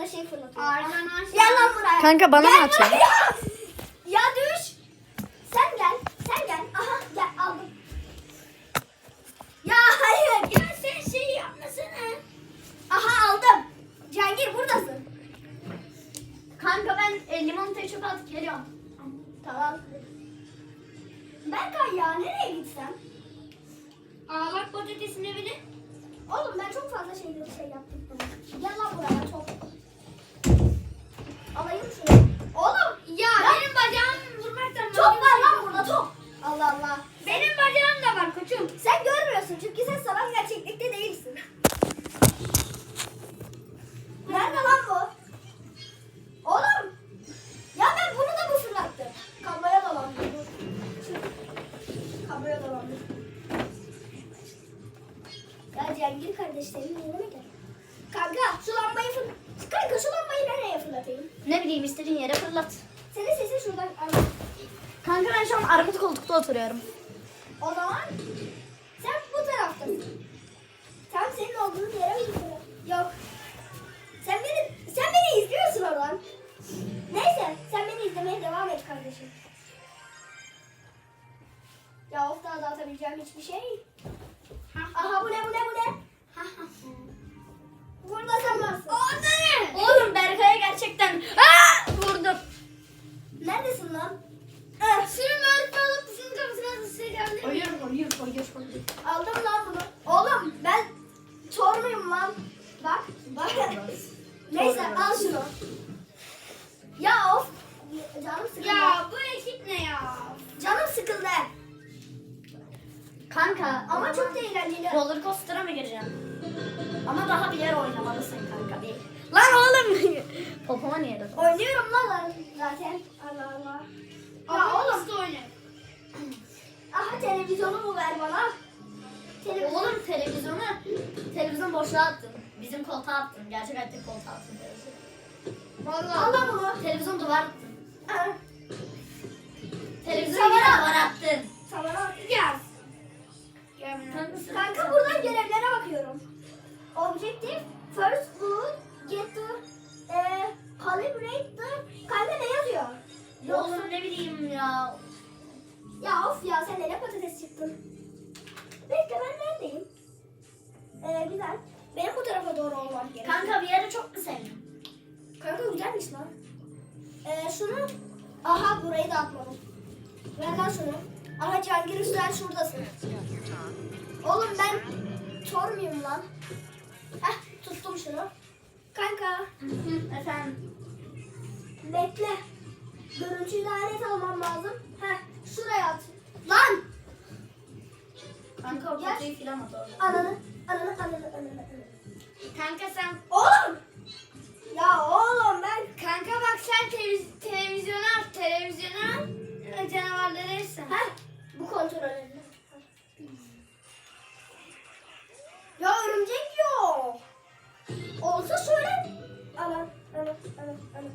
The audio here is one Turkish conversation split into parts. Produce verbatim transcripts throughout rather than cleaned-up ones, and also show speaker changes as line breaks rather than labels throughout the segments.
fazla şey fırlatıyor.
Arkadaşlar.
Gel lan buraya.
Kanka bana mı atıyorsun?
buraya. Ya düş. Sen gel. Sen gel. Aha gel aldım. Ya hayır. Ya sen şey yapmasana. Aha aldım. Cihangir buradasın.
Kanka ben e, limonatayı çok atıp geliyorum.
Tamam. Berkay ya nereye gitsem?
Aa bak patatesin evine.
Oğlum ben çok fazla şey, şey yaptım. Gel lan buraya çok. Alayım şunu. Oğlum
Ya,
Ya.
benim bacağım vurmaktan.
top var lan burada top. Allah Allah.
Benim bacağım da var koçum.
Sen görmüyorsun çünkü sen sanal gerçeklikte değilsin. Nerede lan bu? Oğlum. Ya ben bunu da mı fırlattım? Kabloya dolandı. Dur. Şu- Kabloya dolandı. Ya Cengir kardeşlerim yanıma gel. Kanka şu lambayı fır... Kanka şu lambayı nereye fırlatayım?
Ne bileyim istediğin yere fırlat.
Senin sesin şuradan...
Kanka ben şu an armut koltukta oturuyorum.
O zaman sen bu taraftasın. Tam senin olduğun yere mi gidiyorum? Yok. Sen beni, sen beni izliyorsun oradan. Neyse sen beni izlemeye devam et kardeşim. Ya of daha dağıtabileceğim hiçbir şey. Aha bu ne bu ne bu ne? Burada sen varsın.
O ne?
Oğlum Berkay'a gerçekten Aa! vurdum.
Neredesin lan?
Eh, şunu böyle alıp şunun kafasına da sıçrayabilir miyim?
Hayır hayır hayır hayır.
Aldım lan bunu. Oğlum ben çor muyum lan? Bak bak. Neyse al şunu. Ya of. Canım sıkıldı.
Ya bu ekip ne ya?
Canım sıkıldı.
Kanka
Ama çok da eğlenceli.
roller coaster'a mı gireceğim? Ama daha bir yer oynamalısın kanka bir. Lan oğlum. Popoma niye dedin?
Oynuyorum lan zaten. Allah Allah. Ya
Ama
oğlum.
nasıl oynayayım?
Aha televizyonumu ver bana. Televizyon.
Oğlum televizyonu televizyon boşluğa attın. Bizim koltuğa attın. Gerçek hayatta koltuğa attın televizyonu.
Vallahi.
Al lan bunu.
Televizyon duvar attın.
Aha,
Televizyonu yine
Tamam.
duvar attın.
Sana.
Gel. Gel bana.
Kanka,
Kanka buradan görevlere bakıyorum. Objective, first food, get to, e, calibrate the... Kanka ne yazıyor? Yoksa...
Oğlum ne bileyim ya.
Ya of ya sen nereye patates çıktın? Bekle ben neredeyim? Ee, güzel. Benim bu tarafa doğru olmam gerekiyor.
Kanka bir yere çok mu sevdin?
Kanka güzelmiş lan. Ee, şunu... Aha burayı da atmadım. Ver lan şunu. Aha Cihangir Üstel şuradasın. Oğlum ben Thor muyum lan? Heh tuttum şunu. Kanka
Efendim.
bekle. Görüntüyü de net almam lazım. Heh şuraya at. Lan!
Kanka o
Gel.
kutuyu filan at orada.
Ananı, ananı, ananı, ananı, ananı.
Kanka sen.
Oğlum! Ya oğlum ben...
Kanka bak sen televiz- televizyonu al. Televizyonu al. e, Canavarları etsin.
Heh bu kontrol önemli. Ya örümcek yok. Olsa söyle. Alan, alan, alan, alan.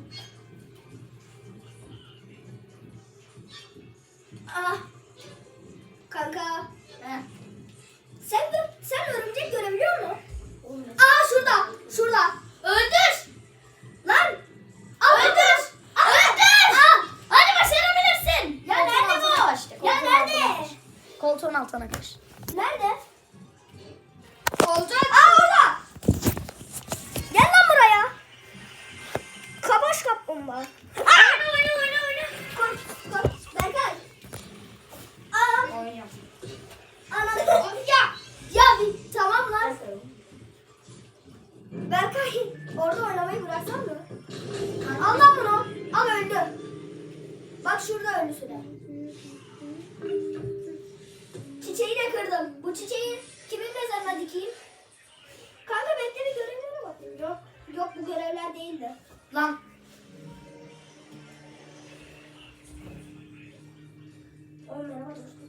Ah. Kanka.
Heh.
Sen de, sen örümcek görebiliyor musun?
Oğlum,
Aa şurada, şurada. Öldür. Lan. Al öldür. Al öldür. Al.
Hadi başarabilirsin.
Ya
Koltuğun
nerede
altına
bu?
kaç işte,
Ya
koltuğun altına
nerede?
kaç. Koltuğun altına kaç.
Nerede?
Olacak.
Aa orada. Gel lan buraya. Kabaş kaplumbağa.
Oyna oyna oyna oyna.
Koy, koy. Berkay. Aa,
Oynuyorum.
ananı.
Ya.
Ya bir tamam lan. Berkay orada oynamayı bıraksan mı? Al lan bunu. Al öldü. Bak şurada ölüsü de. Çiçeği de kırdım. Bu çiçeği kimin mezarına dikeyim? Kanka bekle bir görevlere bakayım. Yok. Yok bu görevler değildi.
Lan.
Oğlum merhaba dostum.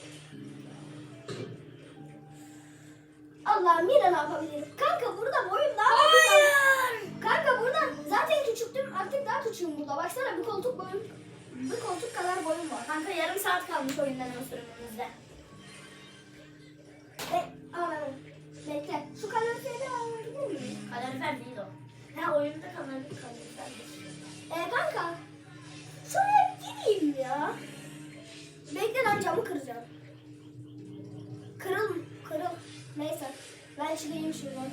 Allah'ım yine ne yapabilirim? Kanka burada boyum daha
Hayır.
Kanka burada zaten küçüktüm artık daha küçüğüm burada. Baksana bir koltuk boyum. Bir koltuk kadar boyum var.
Kanka yarım saat kalmış oyundan sürümümüzde.
E, anladım. Bekle. Şu kaloriferi de alabilir miyim?
Kalorifer değil o.
Ha o
oyunda kalır kalır.
Ee kanka. Şuraya gideyim ya. Bekle lan camı kıracağım. Kırıl, kırıl. Neyse. Ben çıkayım şuradan.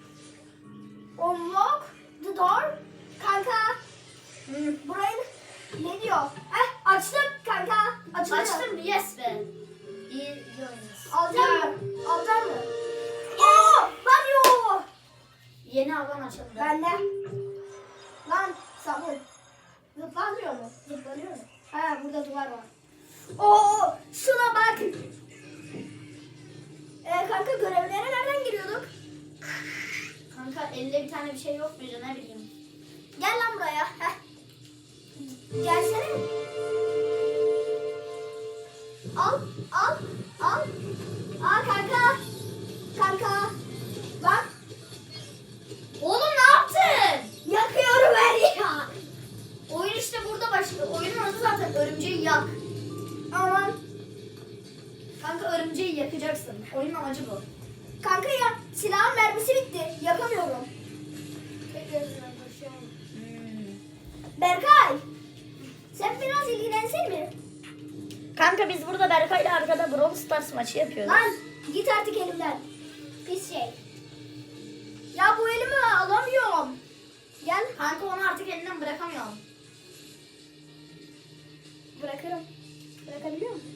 Unlock the door. Kanka.
Hmm.
Burayı ne diyor? Heh açtım kanka. Açıldı.
Açtım yes be. İyi, iyi oynuyorsun.
Alacak mı? Alacak mı? Oo! Banyo!
Yeni alan açıldı.
Bende. Lan sabun. Zıplanmıyor mu? Zıplanıyor mu? Ha burada duvar var. Oo! Şuna bak. Ee, kanka görevlere nereden giriyorduk?
Kanka elde bir tane bir şey yok muydu ne bileyim.
Gel lan buraya. Heh. Gelsene. Al, al, al. Aa kanka. Kanka. Bak.
Oğlum ne yaptın?
Yakıyorum her ya.
Oyun işte burada başlıyor. Oyunun adı zaten örümceği yak.
Aman.
Kanka örümceği yakacaksın. Oyunun amacı bu.
Kanka ya silahın mermisi bitti. Yakamıyorum.
Tek gözüne koşuyorum.
Hmm.
Berkay. Sen biraz ilgilensen mi?
Kanka biz burada Berkay'la arkada Brawl Stars maçı yapıyoruz.
Lan git artık elimden. Pis şey. Ya bu elimi alamıyorum. Gel.
Kanka onu artık elinden bırakamıyorum.
Bırakırım. Bırakabiliyor musun?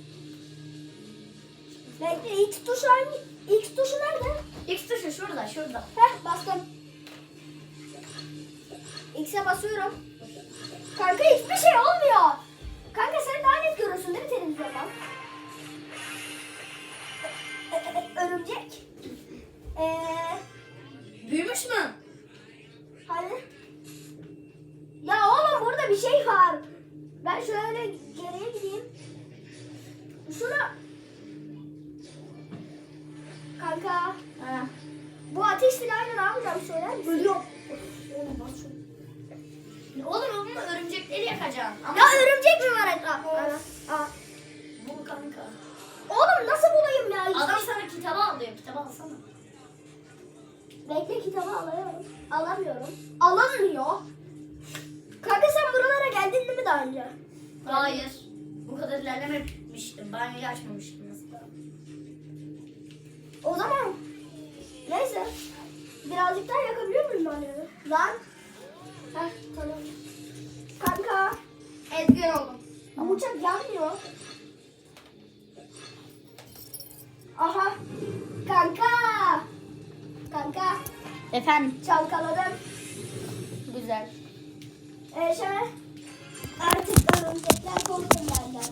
Bekle X tuşu hangi? X tuşu nerede?
X tuşu şurada şurada.
Heh bastım. X'e basıyorum. Kanka hiçbir şey olmuyor. Kanka sen daha net görürsün değil mi televizyondan? Ö- ö- ö- Örümcek. Eee...
Büyümüş mü?
Hani? Ya oğlum burada bir şey var. Ben şöyle geriye gideyim. Şuna... Kanka.
Ha.
Bu ateş silahıyla ne yapacağım söyler misin?
Ölüyorum. Oğlum bak şu. Oğlum bunu örümcekleri yakacaksın. Ama
Ya örümcek mi var etrafta? Aa.
bu kanka.
Oğlum nasıl bulayım ya?
Adam sana kitabı alıyor. Kitabı alsana.
Bekle kitabı alıyorum. Alamıyorum. Alamıyor. Kanka sen buralara geldin değil mi daha önce?
Hayır. Bu kadar ilerlememiştim. Banyoyu açmamıştım mesela.
O zaman neyse. Birazcık daha yakabiliyor muyum ben yani? Lan. Heh tamam. Kanka.
Edgar oldum.
Bu uçak yanmıyor. Aha. Kanka. Kanka.
Efendim.
Çalkaladım.
Güzel.
Ee, şöyle. Artık örümcekler korkun benden.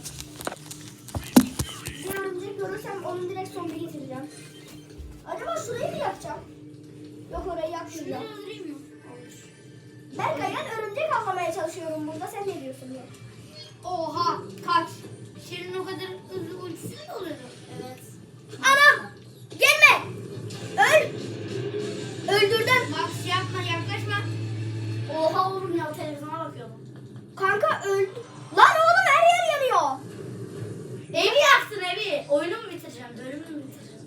Bir örümcek görürsem onu direkt zombi getireceğim. Acaba şurayı mı yakacağım? Yok orayı yakmayacağım.
Şunu öldüreyim mi?
Berkay ben örümcek avlamaya çalışıyorum burada. Sen ne diyorsun ya?
Oha kaç. Şirin o kadar hızlı ultisi mi oluyor?
Evet.
Anam! Gelme! Öl! Öldürdüm.
Bak şey yapma yaklaşma.
Oha oğlum ya televizyona bakıyordum.
Kanka öldü. Lan oğlum her yer yanıyor.
Evi yaktın evi. Oyunu mu bitireceğim? Bölümü mü bitireceğim?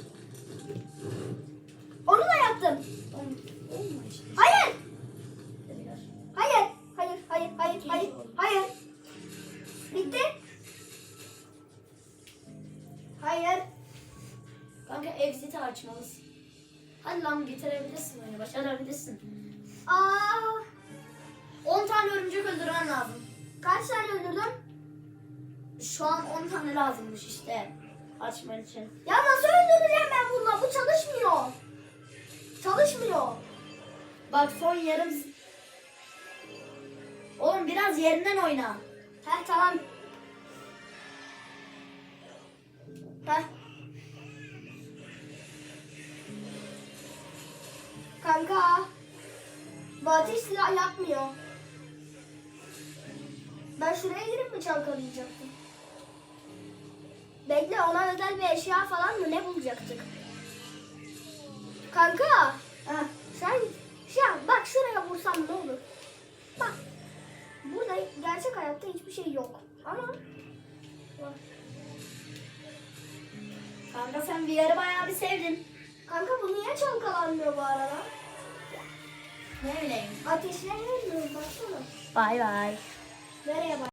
Onu da yaktım.
Oğlum, olma işte.
Hayır!
Biraz.
Hayır! Hayır! Hayır! Hayır! Hayır! Hayır! Bitti. Hayır.
Kanka exit'i açmalısın. Hadi lan bitirebilirsin oyunu. Başarabilirsin.
Aa,
on tane örümcek öldürmen lazım.
kaç tane öldürdüm?
Şu an on tane lazımmış işte. Açman için.
Ya nasıl öldüreceğim ben bununla? Bu çalışmıyor. Çalışmıyor.
Bak son yarım... Oğlum biraz yerinden oyna.
Heh tamam. Heh. Kanka. Bu ateş silah yapmıyor. Ben şuraya girip mi çalkalayacaktım? Bekle ona özel bir eşya falan mı ne bulacaktık? Kanka. Heh, sen şu an bak şuraya vursam ne olur? Bak. Burada gerçek hayatta hiçbir şey yok. Ama bak.
Kanka sen V R'ı bayağı bir sevdin.
Kanka bu niye çalkalanmıyor bu arada?
Ne bileyim.
Ateşlenmiyor mu? Baksana.
Bay bay.
Nereye bak?